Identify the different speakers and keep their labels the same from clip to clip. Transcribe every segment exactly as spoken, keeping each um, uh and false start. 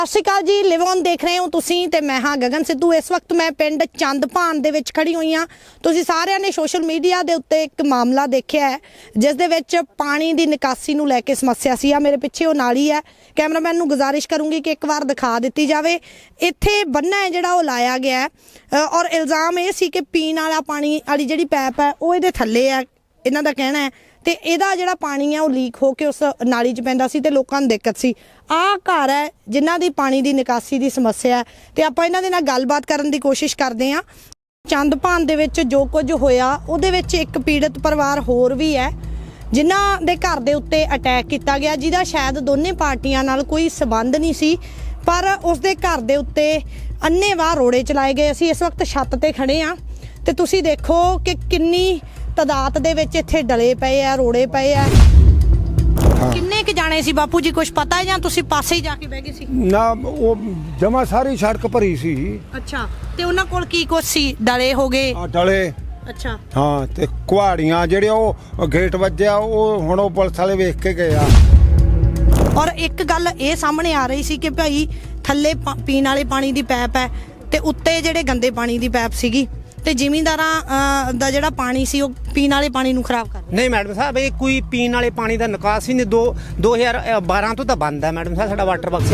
Speaker 1: ਸਤਿ ਸ਼੍ਰੀ ਅਕਾਲ ਜੀ। ਲਿਵ ਔਨ ਦੇਖ ਰਹੇ ਹੋ ਤੁਸੀਂ ਤੇ ਮੈਂ ਹਾਂ ਗगन सिद्धू। इस वक्त मैं पिंड चंदभान ਦੇ ਵਿੱਚ ਖੜੀ ਹੋਈ ਹਾਂ। ਤੁਸੀਂ ਸਾਰਿਆਂ ਨੇ ਸੋਸ਼ਲ ਮੀਡੀਆ ਦੇ ਉੱਤੇ ਇੱਕ ਮਾਮਲਾ ਦੇਖਿਆ ਹੈ ਜਿਸ ਦੇ ਵਿੱਚ ਪਾਣੀ ਦੀ ਨਿਕਾਸੀ ਨੂੰ ਲੈ ਕੇ ਸਮੱਸਿਆ ਸੀ। ਆ ਮੇਰੇ ਪਿੱਛੇ ਉਹ ਨਾਲੀ ਹੈ। ਕੈਮਰਾਮੈਨ ਨੂੰ ਗੁਜ਼ਾਰਿਸ਼ ਕਰੂੰਗੀ ਕਿ ਇੱਕ ਵਾਰ ਦਿਖਾ ਦਿੱਤੀ ਜਾਵੇ। ਇੱਥੇ ਬੰਨਾ ਹੈ ਜਿਹੜਾ ਉਹ ਲਾਇਆ ਗਿਆ ਹੈ ਔਰ ਇਲਜ਼ਾਮ ਇਹ ਸੀ ਕਿ ਪੀਣ ਵਾਲਾ ਪਾਣੀ ਵਾਲੀ ਜਿਹੜੀ ਪੈਪ ਹੈ ਉਹ ਇਹਦੇ ਥੱਲੇ ਹੈ, ਇਹਨਾਂ ਦਾ ਕਹਿਣਾ ਹੈ। ਤੇ ਇਹਦਾ ਜਿਹੜਾ ਪਾਣੀ ਹੈ ਉਹ ਲੀਕ ਹੋ ਕੇ ਉਸ ਨਾਲੀ 'ਚ ਪੈਂਦਾ ਸੀ ਤੇ ਲੋਕਾਂ ਨੂੰ ਦਿੱਕਤ ਸੀ। ਆਹ ਘਰ ਹੈ ਜਿਨ੍ਹਾਂ ਦੀ ਪਾਣੀ ਦੀ ਨਿਕਾਸੀ ਦੀ ਸਮੱਸਿਆ ਹੈ ਤੇ ਆਪਾਂ ਇਹਨਾਂ ਦੇ ਨਾਲ ਗੱਲਬਾਤ ਕਰਨ ਦੀ ਕੋਸ਼ਿਸ਼ ਕਰਦੇ ਹਾਂ। ਚੰਦਭਾਨ ਦੇ ਵਿੱਚ ਜੋ ਕੁਝ ਹੋਇਆ ਉਹਦੇ ਵਿੱਚ ਇੱਕ ਪੀੜਤ ਪਰਿਵਾਰ ਹੋਰ ਵੀ ਹੈ ਜਿਨ੍ਹਾਂ ਦੇ ਘਰ ਦੇ ਉੱਤੇ ਅਟੈਕ ਕੀਤਾ ਗਿਆ, ਜਿਹਦਾ ਸ਼ਾਇਦ ਦੋਨੇ ਪਾਰਟੀਆਂ ਨਾਲ ਕੋਈ ਸਬੰਧ ਨਹੀਂ ਸੀ, ਪਰ ਉਸਦੇ ਘਰ ਦੇ ਉੱਤੇ ਅੰਨ੍ਹੇਵਾਹ ਰੋੜੇ ਚਲਾਏ ਗਏ। ਅਸੀਂ ਇਸ ਵਕਤ ਛੱਤ ਤੇ ਖੜੇ ਹਾਂ ਤੇ ਤੁਸੀਂ ਦੇਖੋ ਕਿ ਕਿੰਨੀ ਤਾਦਾਦ ਦੇ ਵਿੱਚ ਇੱਥੇ ਡਲੇ ਪਏ ਆ, ਰੋੜੇ ਪਏ ਆ। ਕਿੰਨੇ ਕੁ ਜਾਣੇ ਸੀ ਬਾਪੂ ਜੀ, ਕੁਝ ਪਤਾ ਹੈ ਜਾਂ ਤੁਸੀਂ ਪਾਸੇ ਹੀ ਜਾ ਕੇ ਬਹਿ ਗਏ ਸੀ?
Speaker 2: ਨਾ ਉਹ ਜਮਾ ਸਾਰੀ ਸੜਕ ਭਰੀ ਸੀ।
Speaker 1: ਅੱਛਾ, ਤੇ ਉਹਨਾਂ ਕੋਲ ਕੀ ਕੁਛ ਸੀ? ਡਲੇ ਹੋ ਗਏ?
Speaker 2: ਆ ਡਲੇ।
Speaker 1: ਅੱਛਾ
Speaker 2: ਹਾਂ, ਤੇ ਕੁਹਾੜੀਆਂ ਜਿਹੜੇ ਉਹ ਗੇਟ ਵੱਜਿਆ ਉਹ ਹੁਣ ਉਹ ਪੁਲਿਸ ਵਾਲੇ ਵੇਖ ਕੇ ਗਏ ਆ।
Speaker 1: ਔਰ ਇੱਕ ਗੱਲ ਇਹ ਸਾਹਮਣੇ ਆ ਰਹੀ ਸੀ ਕਿ ਭਾਈ ਥੱਲੇ ਪੀਣ ਵਾਲੇ ਪਾਣੀ ਦੀ ਪੈਪ ਹੈ ਤੇ ਉੱਤੇ ਜਿਹੜੇ ਗੰਦੇ ਪਾਣੀ ਦੀ ਪੈਪ ਸੀਗੀ ਤੇ ਜ਼ਿਮੀਂਦਾਰਾਂ ਦਾ ਜਿਹੜਾ ਪਾਣੀ ਸੀ ਉਹ ਪੀਣ ਵਾਲੇ ਪਾਣੀ ਨੂੰ ਖਰਾਬ ਕਰ ਰਿਹਾ।
Speaker 3: ਨਹੀਂ ਮੈਡਮ ਸਾਹਿਬ, ਇਹ ਕੋਈ ਪੀਣ ਵਾਲੇ ਪਾਣੀ ਦਾ ਨਿਕਾਸ ਹੀ ਨਹੀਂ। ਦੋ ਦੋ ਹਜ਼ਾਰ ਬਾਰਾਂ ਤੋਂ ਤਾਂ ਬੰਦ ਹੈ ਮੈਡਮ ਸਾਹਿਬ ਸਾਡਾ ਵਾਟਰ ਬਾਕਸ।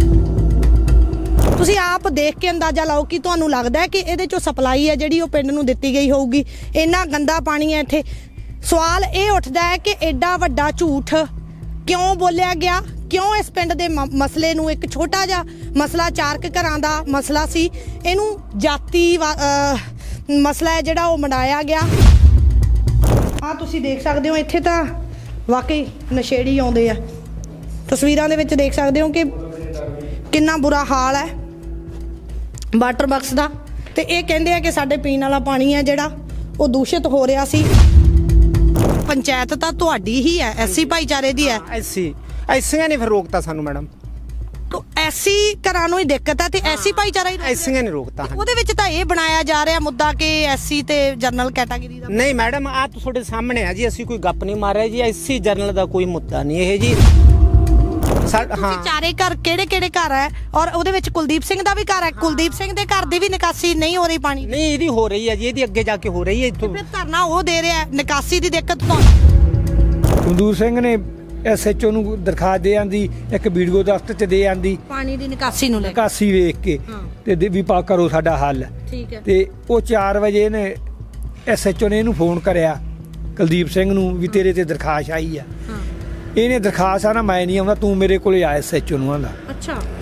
Speaker 1: ਤੁਸੀਂ ਆਪ ਦੇਖ ਕੇ ਅੰਦਾਜ਼ਾ ਲਾਓ ਕਿ ਤੁਹਾਨੂੰ ਲੱਗਦਾ ਹੈ ਕਿ ਇਹਦੇ ਚੋਂ ਸਪਲਾਈ ਹੈ ਜਿਹੜੀ ਉਹ ਪਿੰਡ ਨੂੰ ਦਿੱਤੀ ਗਈ ਹੋਊਗੀ। ਇੰਨਾ ਗੰਦਾ ਪਾਣੀ ਹੈ ਇੱਥੇ। ਸਵਾਲ ਇਹ ਉੱਠਦਾ ਹੈ ਕਿ ਐਡਾ ਵੱਡਾ ਝੂਠ ਕਿਉਂ ਬੋਲਿਆ ਗਿਆ? ਕਿਉਂ ਇਸ ਪਿੰਡ ਦੇ ਮਸਲੇ ਨੂੰ, ਇੱਕ ਛੋਟਾ ਜਿਹਾ ਮਸਲਾ ਚਾਰਕ ਘਰਾਂ ਦਾ ਮਸਲਾ ਸੀ, ਇਹਨੂੰ ਜਾਤੀ ਮਸਲਾ ਹੈ ਜਿਹੜਾ ਉਹ ਮਨਾਇਆ ਗਿਆ। ਆ ਤੁਸੀਂ ਦੇਖ ਸਕਦੇ ਹੋ ਇੱਥੇ ਤਾਂ ਵਾਕਈ ਨਸ਼ੇੜੀ ਆਉਂਦੇ ਆ। ਤਸਵੀਰਾਂ ਦੇ ਵਿੱਚ ਦੇਖ ਸਕਦੇ ਹੋ ਕਿ ਕਿੰਨਾ ਬੁਰਾ ਹਾਲ ਹੈ ਵਾਟਰ ਬਾਕਸ ਦਾ। ਤੇ ਇਹ ਕਹਿੰਦੇ ਆ ਕਿ ਸਾਡੇ ਪੀਣ ਵਾਲਾ ਪਾਣੀ ਹੈ ਜਿਹੜਾ ਉਹ ਦੂਸ਼ਿਤ ਹੋ ਰਿਹਾ ਸੀ। ਪੰਚਾਇਤ ਤਾਂ ਤੁਹਾਡੀ ਹੀ ਹੈ, ਐਸੀ ਭਾਈਚਾਰੇ ਦੀ ਹੈ।
Speaker 3: ਐਸੀ ਐਸੀਆਂ ਨੇ ਫਿਰ ਰੋਕਤਾ ਸਾਨੂੰ ਮੈਡਮ।
Speaker 1: ਤੋ ਐਸੀ ਘਰਾਂ ਨੂੰ ਹੀ ਦਿੱਕਤ ਹੈ ਤੇ ਐਸੀ ਭਾਈਚਾਰਾ ਹੀ
Speaker 3: ਐਸੀਆਂ ਨੇ ਰੋਕਤਾ।
Speaker 1: ਉਹਦੇ ਵਿੱਚ ਤਾਂ ਇਹ ਬਣਾਇਆ ਜਾ ਰਿਹਾ ਮੁੱਦਾ ਕਿ ਐਸੀ ਤੇ ਜਨਰਲ ਕੈਟਾਗਰੀ ਦਾ।
Speaker 3: ਨਹੀਂ ਮੈਡਮ, ਆ ਤੁਹਾਡੇ ਸਾਹਮਣੇ ਆ ਜੀ, ਅਸੀਂ ਕੋਈ ਗੱਪ ਨਹੀਂ ਮਾਰਿਆ ਜੀ। ਐਸੀ ਜਰਨਲ ਦਾ ਕੋਈ ਮੁੱਦਾ ਨਹੀਂ ਇਹ ਜੀ।
Speaker 1: ਹਾਂ, ਚਾਰੇ ਘਰ ਕਿਹੜੇ ਕਿਹੜੇ ਘਰ ਹੈ ਔਰ ਉਹਦੇ ਵਿੱਚ ਕੁਲਦੀਪ ਸਿੰਘ ਦਾ ਵੀ ਘਰ ਹੈ। ਕੁਲਦੀਪ ਸਿੰਘ ਦੇ ਘਰ ਦੀ ਵੀ ਨਿਕਾਸੀ ਨਹੀਂ ਹੋ ਰਹੀ ਪਾਣੀ?
Speaker 3: ਨਹੀਂ, ਇਹਦੀ ਹੋ ਰਹੀ ਹੈ ਜੀ, ਇਹਦੀ ਅੱਗੇ ਜਾ ਕੇ ਹੋ ਰਹੀ ਹੈ। ਇੱਥੋਂ
Speaker 1: ਫਿਰ ਧਰਨਾ ਉਹ ਦੇ ਰਿਹਾ, ਨਿਕਾਸੀ ਦੀ ਦਿੱਕਤ ਤੋਂ।
Speaker 2: ਕੁਲਦੀਪ ਸਿੰਘ ਨੇ ਐਸਐਚਓ ਨੂੰ ਦਰਖਾਸਤ ਦੇ ਆਂਦੀ, ਇੱਕ ਵੀਡੀਓ ਦਫ਼ਤਰ ਚ ਦੇ ਆਂਦੀ
Speaker 1: ਪਾਣੀ ਦੀ ਨਿਕਾਸੀ ਨੂੰ ਲੈ ਕੇ,
Speaker 2: ਨਿਕਾਸੀ ਵੇਖ ਕੇ ਤੇ ਵੀ ਪਾ ਕਰੋ ਸਾਡਾ ਹੱਲ।
Speaker 1: ਠੀਕ ਹੈ।
Speaker 2: ਤੇ ਉਹ ਚਾਰ ਵਜੇ ਨੇ ਐਸਐਚਓ ਨੇ ਇਹਨੂੰ ਫੋਨ ਕਰਿਆ ਕੁਲਦੀਪ ਸਿੰਘ ਨੂੰ ਵੀ ਤੇਰੇ ਤੇ ਦਰਖਾਸਤ ਆਈ ਆ। ਇਹਨੇ ਦਰਖਾਸਤ ਆ ਨਾ ਮੈਂ ਨਹੀਂ ਆਉਂਦਾ, ਤੂੰ ਮੇਰੇ ਕੋਲੇ ਆ ਐਸਐਚਓ ਨੂੰ ਆਂਦਾ।
Speaker 1: ਅੱਛਾ।